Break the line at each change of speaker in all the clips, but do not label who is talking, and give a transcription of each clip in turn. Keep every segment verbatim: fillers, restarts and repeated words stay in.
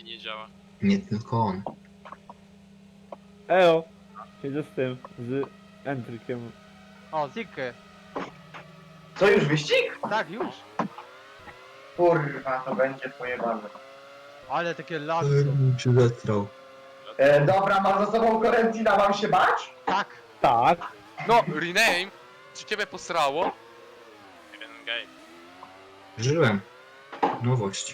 nie działa.
Nie tylko on.
Eo! Siedzę z tym, z Entrykiem.
O, Zikky.
Co, już wyścig?
Tak, już.
Kurwa, to będzie pojebane.
Ale takie lagi
Ale
są.
bym się zetrał.
E, dobra, mam za sobą Korentina, mam się bać?
Tak.
Tak!
No, rename! Czy ciebie posrało?
Jeden game.
Żyłem. Nowość.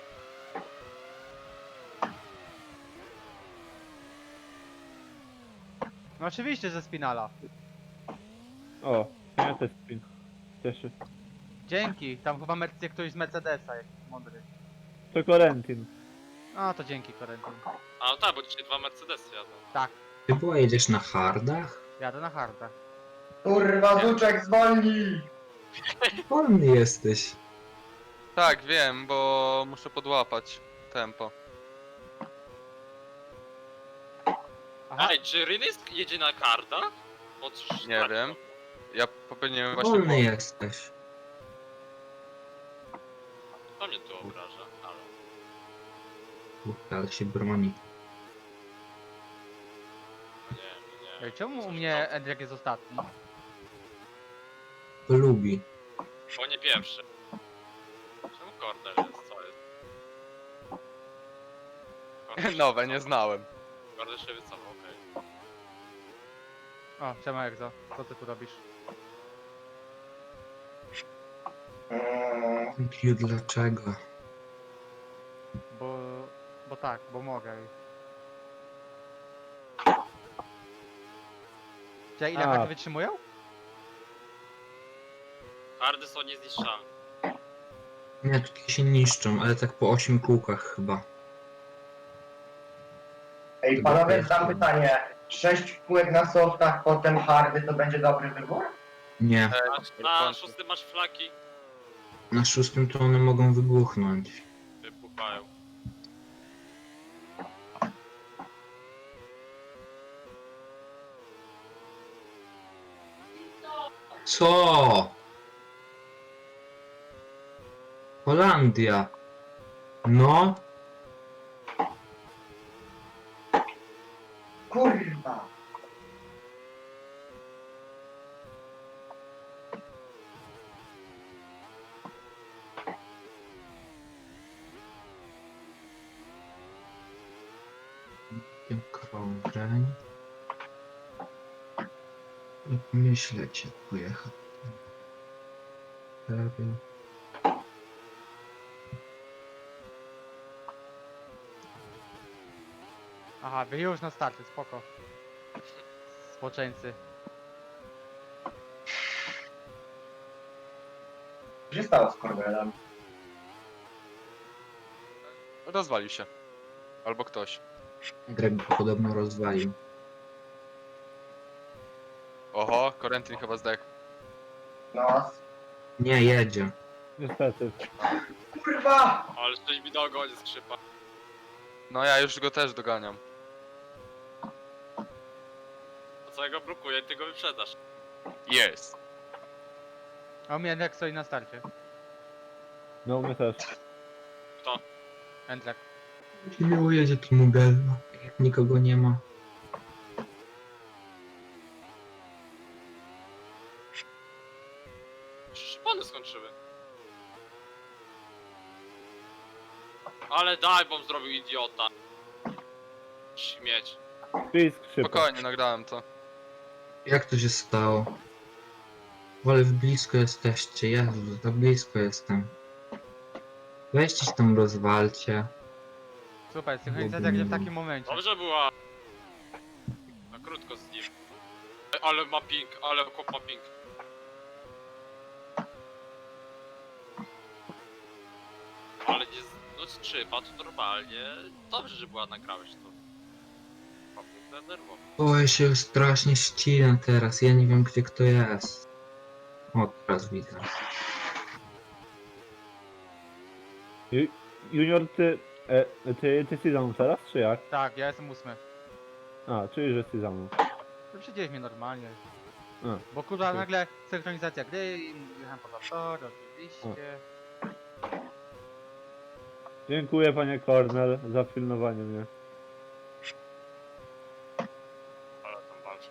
No oczywiście, że Spinala.
O, ja też spin. Cieszy.
Dzięki. Tam chyba Mercy ktoś z Mercedesa, jakiś mądry.
To Korentin.
No to dzięki, Korentin.
A no tak, bo dzisiaj dwa Mercedesy jadą.
Tak,
Ty była jedziesz na hardach?
jadę na hardach.
Kurwa, Zuczek, zwolnij!
Wolny jesteś.
Tak, wiem, bo muszę podłapać tempo.
Aha,
Ej, czy Rynys jedzie na karta? Bo cóż,
Nie
tak,
wiem. Ja popełniłem właśnie
Wolny
błąd.
jesteś.
To mnie tu obraża, ale...
Kurde, ale się broni.
No nie, nie, nie.
ej, czemu u
Coś
mnie
tam.
Endriak jest ostatni?
To lubi.
Bo nie pierwszy. Czemu Cornel jest? Co jest? Cornel się
Nowe, nie
wycofał.
znałem.
Cornel się wycofał, okej.
O, siema Egzo. Co ty tu robisz?
Mm,
Piu, dlaczego?
Bo... Bo tak, bo mogę. Czy ile
A.
karty wytrzymują?
Hardy są niezniszczalne.
Nie, tutaj się niszczą, ale tak po ośmiu kółkach chyba.
Ej, panowie, zadam pytanie. Sześć kółek na softach, potem hardy, to będzie dobry wybór?
Nie.
Na, na szóstym masz flaki,
Na szóstym to one mogą wybuchnąć.
wybuchają.
Co? Holandia. No.
Kurwa!
Tym krążeń. I myśleć, jak pojechać. Prawie.
Aha, wy już na starcie, spoko. Spoczęcy.
Co się stało z Cornelem?
Rozwalił się. Albo ktoś.
Greg go podobno rozwalił.
Oho, Corentin chyba zdechł.
No,
Nie, jedzie.
Niestety.
kurwa!
Ale coś mi dogoni skrzypa.
No ja już go też doganiam.
To co ja go blokuję, ty go wyprzedasz.
Jest.
A u mnie Endriak stoi na starcie.
No, my też.
Endriak.
Miło jedzie tu Mugello. Jak nikogo nie ma.
Szpony skończyły. Ale daj, bom zrobił idiota. Śmieć.
Czyli skrzypa.
Spokojnie, nagrałem to.
Jak to się stało? Ale w blisko jesteście. Jezu, za blisko jestem. Weźcie się tam rozwalcie.
Super, synchronizacja gdzie w takim momencie.
Dobrze była. Na krótko z nim. Ej, ale ma ping, ale chłop ma ping. Ale nie, z- no skrzypa to normalnie. Dobrze, że była, nagrałeś to. Chłopie zdenerwował.
Boję się strasznie ścina teraz. Ja nie wiem gdzie kto jest. O, teraz widzę.
Ju- Junior, ty... E, ty, ty jesteś za mną teraz, czy jak?
Tak, ja jestem ósmy.
A, czyli że jesteś za mną.
To przecież mnie normalnie.
A.
Bo kurwa
Okej.
nagle synchronizacja gry i jechałem po tor, oczywiście.
Dziękuję panie Cornel za pilnowanie mnie.
Ale tam walczy.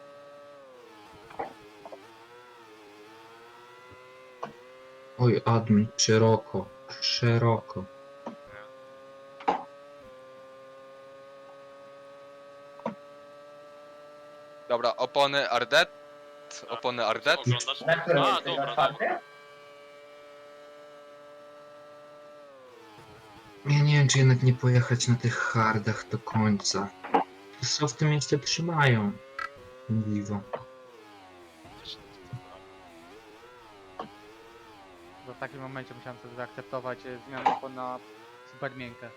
Oj, admin, szeroko, szeroko.
Dobra, opony Ardet. Opony Ardet.
Oglądasz?
Na którym
A,
jesteś? Na
dobra,
czwartym?
dobra.
Ja nie wiem, czy jednak nie pojechać na tych hardach do końca. Co w tym jeszcze trzymają? Dziwo.
Też nie
Bo w takim momencie musiałem sobie zaakceptować e, zmianę opon na super miękkie.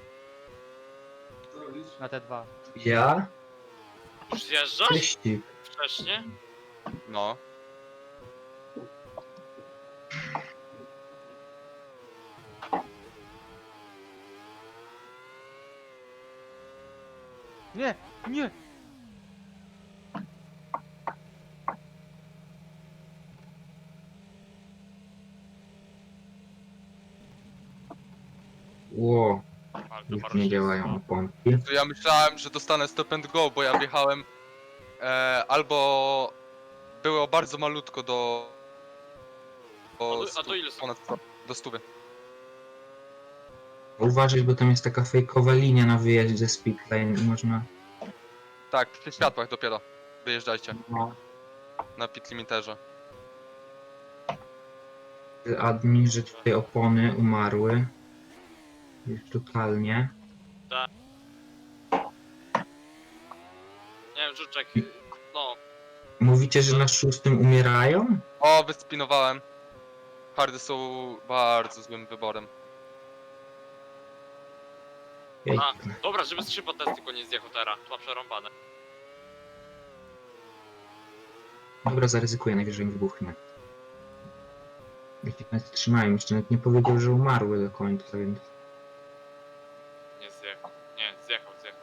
Na te dwa.
Ja?
Już zjeżdżasz?
Wyścig.
Wcześniej?
No.
Nie! Nie!
Ło,
Ale to
już
bardzo
nie
się
działają pompki.
To ja myślałem, że dostanę stop and go, bo ja wjechałem e, albo było bardzo malutko do...
A
do
to- a to ile są?
ponad sto, do stówy.
Uważaj, bo tam jest taka fejkowa linia na wyjeździe ze speedlane i można...
Tak, przy światłach dopiero wyjeżdżajcie
No.
na pit limiterze.
Admin, że tutaj opony umarły. Już totalnie.
Nie wiem, Żuczek, no,
Mówicie, że na szóstym umierają?
O, wyspinowałem. Hardy są bardzo złym wyborem.
Jej.
a, dobra, żeby skrzypa test tylko nie zjechał teraz, to ma przerąbane.
Dobra, zaryzykuję, najwyżej mi wybuchnę. Jeśli nas trzymają, jeszcze nawet nie powiedział, że umarły do końca, więc...
Nie zjechał, nie, zjechał, zjechał.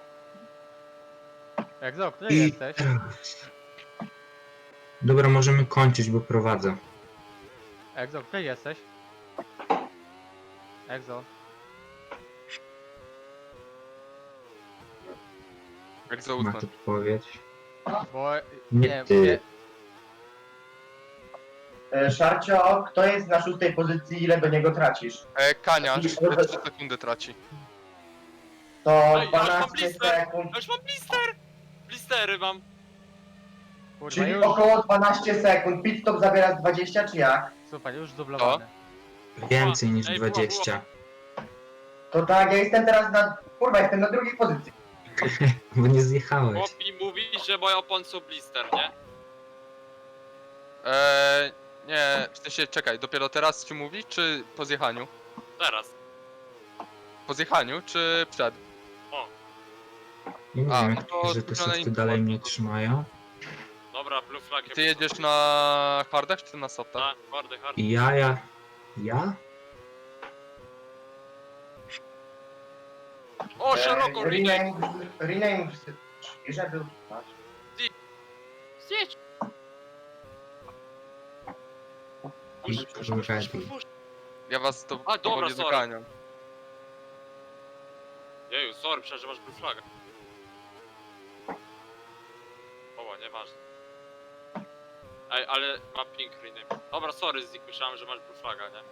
Egzo, który
I
jesteś?
teraz... Dobra, możemy kończyć, bo prowadzę.
Egzo, który jesteś? Egzo.
Jak za
Masz
ósmy.
odpowiedź.
Bo...
Nie
Nie,
ty.
nie.
E, Szarcio, kto jest na szóstej pozycji, ile do niego tracisz?
E, Kania,
I-
trzy sekundy traci.
To
Ej, ale mam
dwanaście
blister!
sekund,
Ja już mam blister! Blistery mam.
Kurwa,
czyli
już...
około dwanaście sekund. Pit stop zabiera z dwadzieścia, czy jak?
Super, już dublowany.
Więcej niż
Ej, była,
dwadzieścia.
To tak, ja jestem teraz na... Kurwa, jestem na drugiej pozycji.
Bo nie zjechałeś.
Chłop mi mówi, że moje opony są blister, nie?
E, nie, w sensie, czekaj, dopiero teraz ci mówi, czy po zjechaniu?
Teraz.
Po zjechaniu, czy przed?
Nie
A,
wiem,
no
jak
to
że te
zmienione
softy dalej mnie
informacje.
trzymają.
Dobra, blue flag.
Ty jedziesz na hardach, czy na softach?
Tak, hardy, hardy.
I ja, ja... Ja?
O, szeroko,
E,
rename.
rename, rename, że był...
Zjedź.
I
Puść, puść, puść, puść, puść, puść.
Ja was to
A, dobra,
powoli
sorry.
doganiam.
Jeju, sorry, przecież masz blue flaga. O, nieważne. Ej, ale ma pink rename. Dobra, sorry, Zik, myślałem, że masz blue flaga, nie?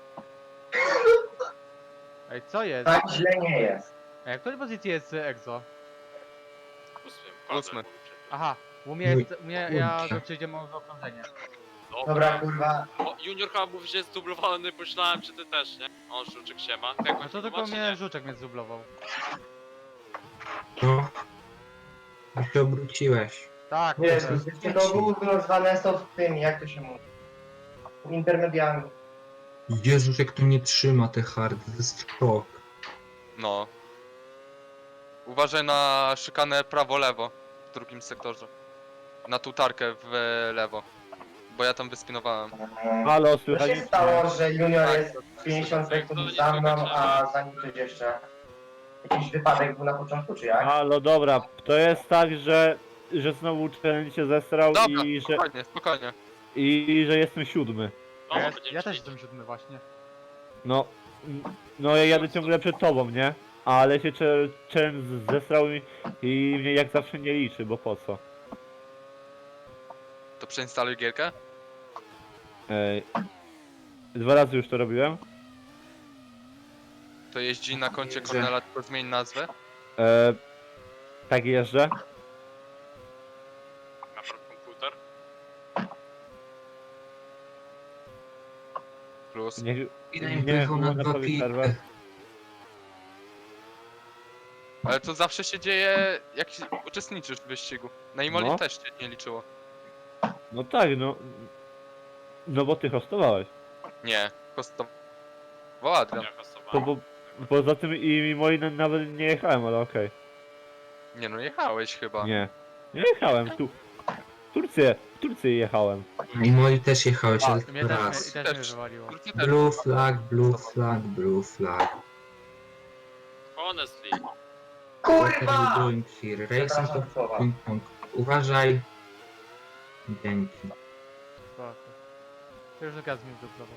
Ej, co jest?
Tak źle nie jest.
Ej, w której pozycji jest e, Egzo?
Ósmym,
Ósmy.
Aha, u mnie jest... U mnie, ja
Kurczę.
go przyjdziemy w okrążenie.
Dobra, kurwa.
O, Junior chyba mówi, że jest dublowany, myślałem, czy ty też, nie? O, Żuczek się ma. Jak
No to tylko mnie Żuczek mnie zdublował.
No. Już się obróciłeś.
Tak,
Wiesz,
kurde.
wszystkie to gówno zwane są w tym, jak to się mówi. Intermediami.
Jezus, jak to nie trzyma te hardy, to jest szok.
No. Uważaj na szykanę prawo-lewo w drugim sektorze. Na tą tarkę w lewo. Bo ja tam wyspinowałem.
Halo,
Co
słychać
się
mnie?
stało, że Junior
Tak,
jest pięćdziesiąt sekund za mną, a za nim coś jeszcze? Jakiś wypadek był na początku, czy jak?
Halo, dobra, to jest tak, że, że znowu challenge się zesrał
Dobra,
i że,
spokojnie, spokojnie.
i że jestem siódmy.
No,
Ja,
będziemy
ja też
ćwiczyć.
jestem siódmy właśnie.
No, no ja jadę ciągle przed tobą, nie? Ale się cze- challenge zesrał i, i mnie jak zawsze nie liczy, bo po co?
To przeinstaluj gierkę?
Ej, dwa razy już to robiłem.
To jeździ na koncie
Jeżdżę.
Cornela, tylko zmień nazwę.
E, tak jeżdżę.
Napraw komputer.
Plus.
Niech,
Ile
nie,
im pojechał na
można
dwa
powiedzieć
piki.
serwer.
Ale to zawsze się dzieje, jak się- uczestniczysz w wyścigu. Na Imoli
No.
też się nie liczyło.
No tak, no. No bo ty hostowałeś.
Nie, kosztował Adrian.
Ja
To
hostowałem.
bo, poza tym i moi na- nawet nie jechałem, ale okej.
Nie no, jechałeś chyba.
Nie. Nie jechałem, tu. W Turcję, w Turcję jechałem.
I moi też jechałeś, ale
Mnie też,
raz.
mnie, też mnie
Też.
wywaliło.
Turcji też.
Blue flag, blue flag, blue flag.
Honestly.
What are you
Kurwa!
doing here? Racing to
Przepraszam słowa.
ping pong. Uważaj. Dzięki.
Spoko. To już gaz mi zdublował.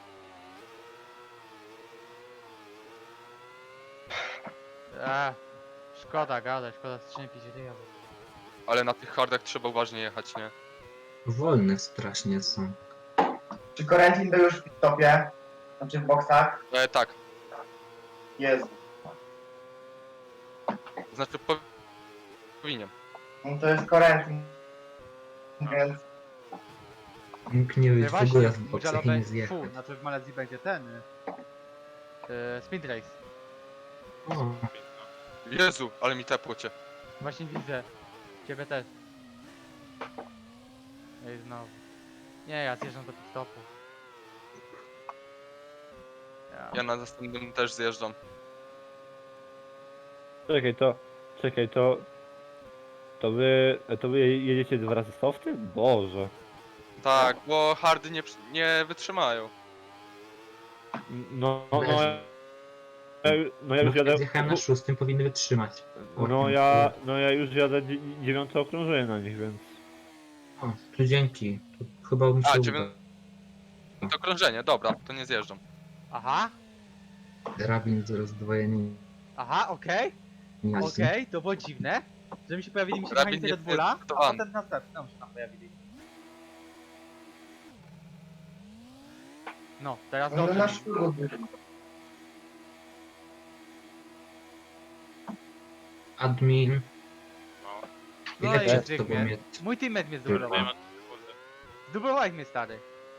Eee, szkoda gadać, szkoda strzępić ryja.
Ale na tych hardach trzeba uważnie jechać, nie?
Wolne strasznie są.
Czy Corentin był już w pit-stopie? Znaczy w boksach?
E, tak,
Jezu.
znaczy po... powinien.
No to jest Corentin. Więc
Mógł nie być
No
w
właśnie,
ogóle w
w
boksach i
Mugello
nie
be-
zjechać.
fu, znaczy w Malezji będzie ten... y, y, Speed Race.
O,
Jezu, ale mi tepło cię.
Właśnie widzę. Ciebie też. Ej, znowu. Nie, ja zjeżdżam do pit-stopu. Ja.
Ja na następnym też zjeżdżam.
Czekaj, to. Czekaj, to. To wy. To wy jedziecie dwa razy softy? Boże.
Tak, bo hardy nie, przy- nie wytrzymają.
No, no, no.
Leży.
Ja, no ja
no,
już jadę.
jak zjechałem na szóstym, powinny wytrzymać.
No ja. No ja już jadę dzie- dziewiąte okrążenie na nich, więc.
O, tu dzięki. Tu chyba mi się
A,
uda.
dziewię- To krążenie, dobra, to nie zjeżdżam.
Aha,
Rabin z rozdwojeniem.
aha, okej,
jazdy.
okej, to było dziwne. Że mi się pojawili mi się
Rabin
mechanicy
nie
Red Bulla, a
zdecydowany.
potem następni nam się tam pojawili. No, teraz
no
dobrze.
na
mi.
szkół.
Admin.
No.
No
Ile
i
przed
zwykle.
tobą mnie...
Mój teammate mnie
Nie
zdublował.
ma sekundy.
Zdublowałeś mnie, stary.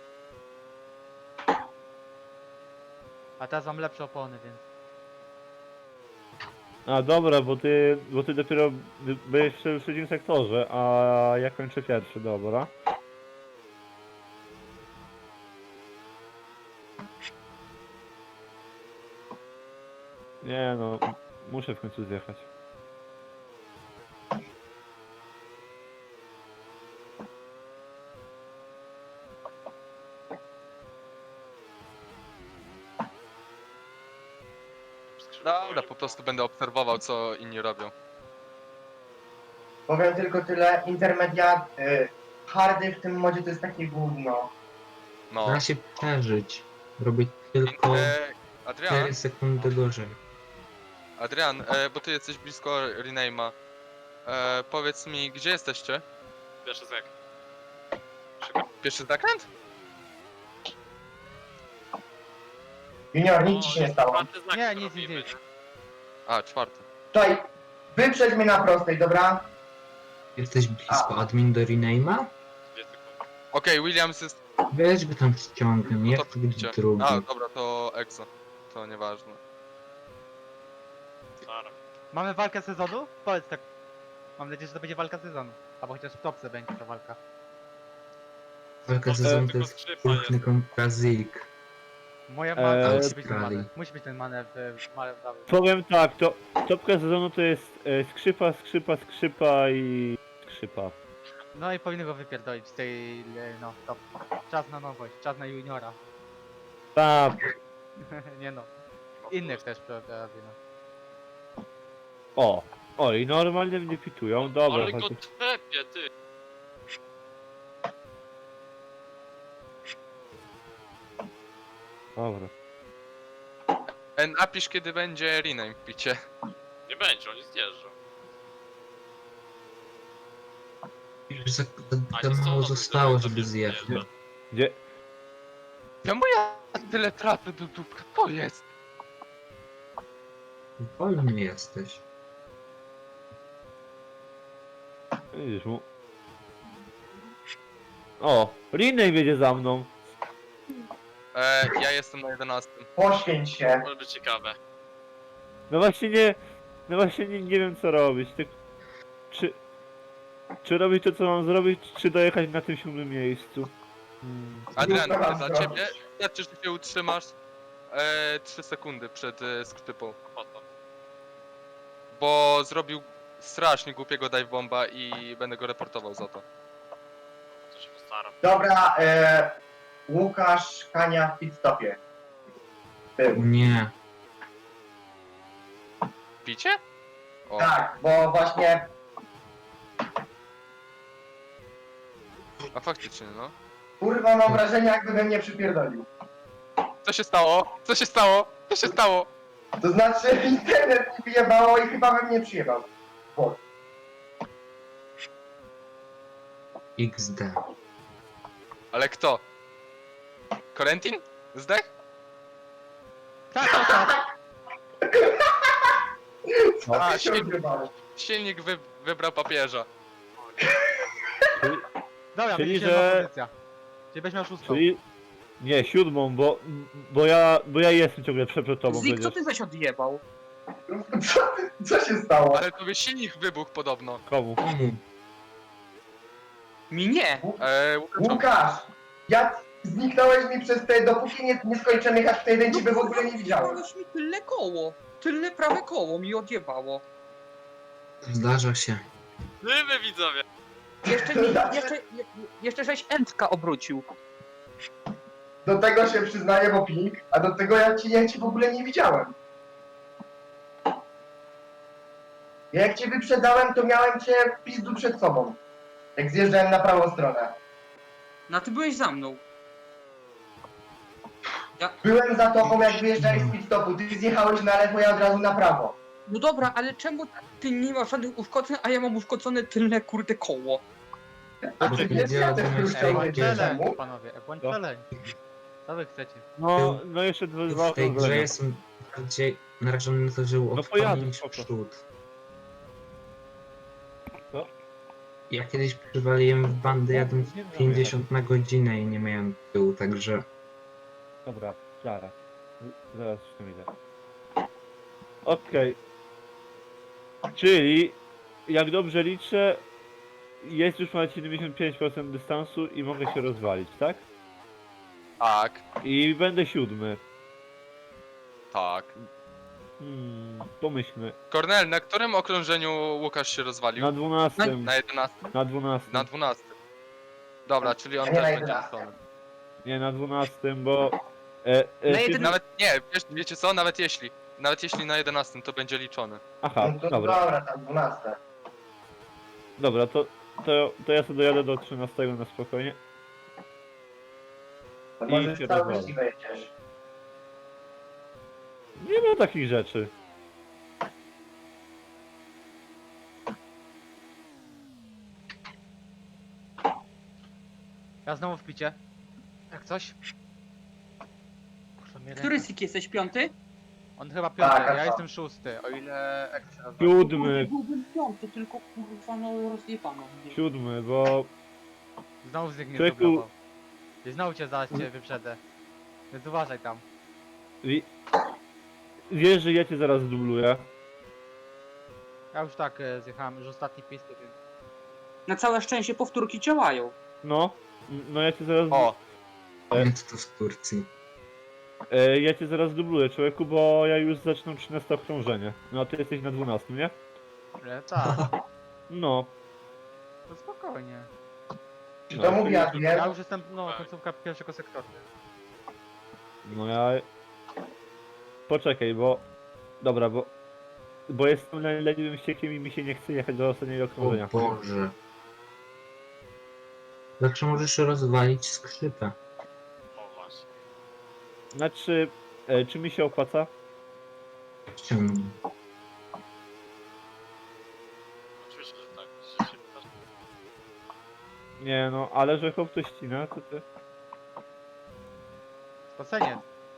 A teraz mam lepsze opony, więc...
A dobra, bo ty. Bo ty dopiero byłeś w trzecim sektorze, a ja kończę pierwszy, dobra. Nie no, muszę w końcu zjechać.
Dobra, po prostu będę obserwował, co inni robią.
Powiem tylko tyle, intermediat, y, hardy w tym modzie to jest takie gówno.
No.
Da się przeżyć. Robić tylko
E, Adrian,
cztery sekundy gorzej.
Adrian, e, bo ty jesteś blisko rename'a. E, powiedz mi, gdzie jesteście?
Pierwszy zek.
Pierwszy zakręt?
Junior, nic ci się nie stało.
Czwarty znak
Nie,
to
nic,
robimy,
nic, nic.
nie?
A, czwarty.
Czekaj, wyprzedź mnie na prostej, dobra?
Jesteś blisko admin do rename'a?
Dwie sekundy.
Okej, Williams jest...
Weź go tam ściągnę, nie
No
chcę
to
być
idźcie.
drugi.
A, dobra, to Exo. To nieważne.
Stara.
Mamy walkę sezonu? Powiedz tak. Mam nadzieję, że to będzie walka sezonu. Albo chociaż w topce będzie ta walka.
Walka sezonu to
Tylko
jest
skrzypa
piękny
jest.
kontrazyk.
Moja
Eee,
manewr musi być ten
Australii.
manewr. Musi być ten manewr w manewr.
Powiem tak, to topka sezonu to jest e, skrzypa, skrzypa, skrzypa i skrzypa.
No i powinny go wypierdolić z tej, e, no, top. Czas na nowość, czas na juniora.
Tak,
Nie no. Innych też prawie, no.
o. O i normalnie mnie pitują, dobra.
Ale go
chociaż-
tepie, ty.
Dobra.
E, napisz kiedy będzie rename w picie.
Nie będzie, oni zjeżdżą.
Już za,
A
za,
nie
za
są
mało
na
zostało,
drodze,
żeby
wiesz,
zjechać.
zjeżdża.
Gdzie?
Czemu ja tyle trafy do dupka? To jest.
Wolny jesteś.
Widzisz mu. O, Rinej wiedzie za mną.
E, ja jestem na jedenastym.
Poświęć się.
Może być ciekawe.
No właśnie nie, no właśnie nie, nie wiem co robić. Tak, czy, czy robić to co mam zrobić, czy dojechać na tym siódmym miejscu? Hmm.
Adrian,
Co mam
dla
zrobić?
ciebie wystarczy, że się utrzymasz e, trzy sekundy przed e, skrzypą.
Po to.
Bo zrobił strasznie głupiego dive bomba i będę go reportował za to.
To się postaram.
Dobra, e, Łukasz Kania w pitstopie. Był.
Nie.
Picie? O,
Tak, bo właśnie
a faktycznie no.
kurwa mam wrażenie jakby we mnie przypierdolił.
Co się stało? Co się stało? Co się stało?
To znaczy internet mi wyjebało i chyba we mnie przyjebał. Bo
iks de.
Ale kto? Korentin? Zdech?
Tak, tak, tak.
co
A,
mi się
silnik,
odbywało?
silnik wy, wybrał papieża.
Dobra,
Czyli,
będzie
że-
że... pozycja. Czyli będziesz miał szóstą.
Czyli... Nie, siódmą, bo, bo ja, bo ja jestem ciągle przed przed tobą
Zik, co
przecież.
ty zaś odjebał?
Co, ty- co się stało?
Ale tobie silnik wybuchł podobno.
Komu?
Komu?
Mi nie.
Eee, Łukaszowi.
Łukasz, ja zniknąłeś mi przez te, dopóki nie, nie skończyłem jechać w tej
No
ciebie w ogóle nie widziałem.
Odjebałeś mi tyle koło. Tyle prawe koło mi odjebało.
Zdarza się.
Wy widzowie!
Jeszcze, mi, jeszcze, je- jeszcze żeś Entka obrócił.
Do tego się przyznaję, bo ping, a do tego ja ci, ja ci w ogóle nie widziałem. Ja jak cię wyprzedałem, to miałem cię w pizdu przed sobą. Jak zjeżdżałem na prawą stronę.
No a ty byłeś za mną.
Byłem za tobą, jak wyjeżdżałeś z pit stopu. Ty zjechałeś na lewo, ja od razu na prawo.
No dobra, ale czemu ty nie masz żadnych uszkodzeń, a ja mam uszkodzone tylne kurde koło?
A
Bo
ty
ty
wiesz,
nie
ja też
rozumiesz
już
tej
chciałem
Bądź
wiedzieć
grze.
challenge,
czemu.
panowie, bądź
Co?
challenge. Co wy chcecie?
No, no jeszcze dwa, dwa
W tej grze
okrążenia.
jestem bardziej narażony na to, że
No
no
pojadę,
niż
spoko.
przód.
Co?
Ja kiedyś przywaliłem w bandy jadąc
Nie wiem,
pięćdziesiąt na godzinę i nie miałem tyłu, także
Dobra, Klara. Z- Zaraz już tam idę. Okej. Czyli, jak dobrze liczę, jest już ponad siedemdziesiąt pięć procent dystansu i mogę się rozwalić, tak?
Tak,
I będę siódmy.
tak.
Hmm, pomyślmy.
Kornel, na którym okrążeniu Łukasz się rozwalił?
Na dwunastym.
Na jedenastym?
Na dwunastym.
Na dwunastym. Dobra, czyli on
A nie na
też będzie
jedenastym.
liczony.
Nie, na dwunastym, bo... E, e,
Na
siódmy-
jeden-
Nawet nie, wiesz, wiecie co? Nawet jeśli. Nawet jeśli na jedenastym to będzie liczony.
Aha,
No to
dobra.
dobra, tam dwunaste.
Dobra, to, to, to ja sobie dojadę do trzynastego na spokojnie.
To
I
może
się
cały
rozwalę.
wyścig wejdziesz.
Nie ma takich rzeczy.
Ja znowu w picie. Jak coś? Kurwa, mnie
Który
ręka-
Zik jesteś? Piąty?
On chyba piąty,
Tak,
ja
tak.
jestem szósty, o ile... Jak się nazywa?
Siódmy,
Byłbym piąty, tylko kurwa no rozjebano mnie.
siódmy, bo...
Znowu z nich nie
Człowieku-
zdoblował. I znowu cię zaraz cię wyprzedzę. Więc uważaj tam.
wi- Wiesz, że ja cię zaraz dubluję.
Ja już tak e, zjechałem, już ostatni pisty, więc...
Na całe szczęście powtórki działają.
No, no ja cię zaraz...
O,
E.
więc to z Turcji.
E, ja cię zaraz dubluję, człowieku, bo ja już zaczynam trzynaste okrążenie. No a ty jesteś na dwunastym, nie?
E, tak,
No.
to spokojnie.
Czy
No,
to mówi
Ja
Adrian?
już jestem, no, końcówka pierwszego sektora.
No ja... Poczekaj, bo... Dobra, bo... Bo jestem le- leniwym ściekiem i mi się nie chce jechać do ostatniego
O
okrążenia.
Boże. Zawsze możesz rozwalić skrzypę.
O właśnie.
Znaczy... E, czy mi się opłaca?
Ściągnij.
Oczywiście, że tak. Że się pytasz.
Nie no, ale że chłop to ścina, to ty...
Spocenie.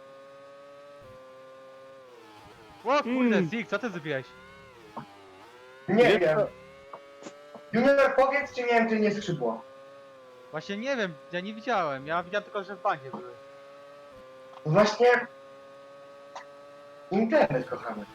O kurde,
Mm.
Zik, co ty zrobiłeś?
Nie
Wiesz
wiem.
co?
Junior, powiedz, czy miałem, czy nie skrzydło.
Właśnie nie wiem, ja nie widziałem. Ja widziałem tylko, że w bandzie były.
Właśnie... Internet, kochany.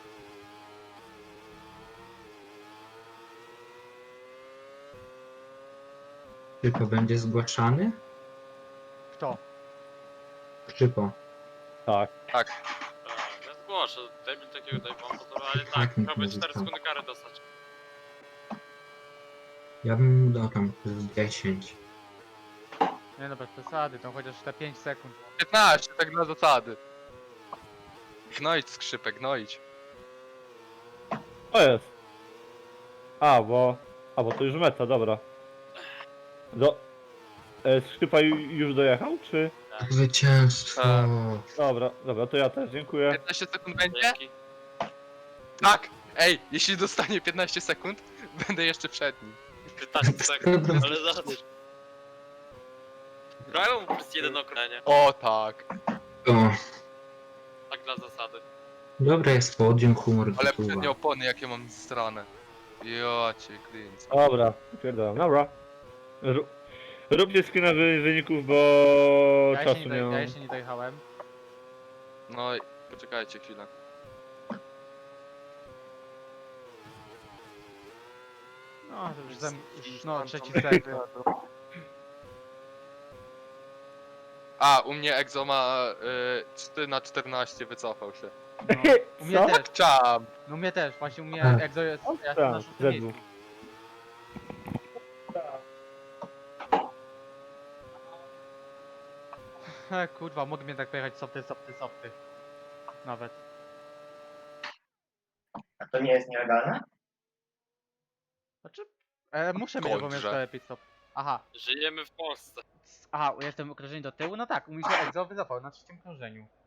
Krzypo będzie zgłaszany?
Kto?
Krzypo.
Tak.
Tak.
Tak, ja zgłoszę. Debil takiego daj wam to, ale
Tak,
tak,
mi
prawie
to
cztery
zostało.
sekundy kary dostać.
Ja bym mu dał tam plus dziesięć.
Nie no, bez przesady, to chociaż te pięć sekund.
piętnaście, tak dla zasady. Gnoić skrzypek, gnoić.
To jest. A, bo... A, bo to już meta, dobra. Do... E, Skrzypa ju- już dojechał, czy...
Zwycięstwo!
Tak.
Dobra, dobra, to ja też, dziękuję.
piętnaście sekund będzie?
Dzięki.
Tak! Ej, jeśli dostanie piętnaście sekund, będę jeszcze przed nim.
piętnaście sekund, ale zobacz. Grają mu przez jeden okręcie.
O tak.
O,
Tak dla zasady.
dobra jest podium, humor
Ale
gotowa.
przednie opony jakie mam strane. Ja cię klient.
Dobra, pierdolam, dobra. Ró- Róbcie screena wy- wyników, bo
Ja jeszcze,
czasu
nie
nie
doj-
mam.
ja jeszcze nie dojechałem.
No i poczekajcie chwilę.
No, to już, zem, już no, trzeci sekund.
A, u mnie Exo ma y, trzy na czternaście, wycofał się.
No. U mnie
Co?
też,
Czam!
no u mnie też, właśnie u mnie
A.
Exo jest, ja jestem
Tak,
na szóstym
ze
miejscu.
dwóch.
He, kurwa, mogę mnie tak pojechać softy, softy, softy. Nawet.
A to nie jest nielegalne?
Znaczy, e, muszę mieć obowiązek
Kończę.
pit stop. Aha,
Żyjemy w Polsce.
aha, jestem okrążenie do tyłu? No tak, u mnie się Exo wycofał na trzecim krążeniu.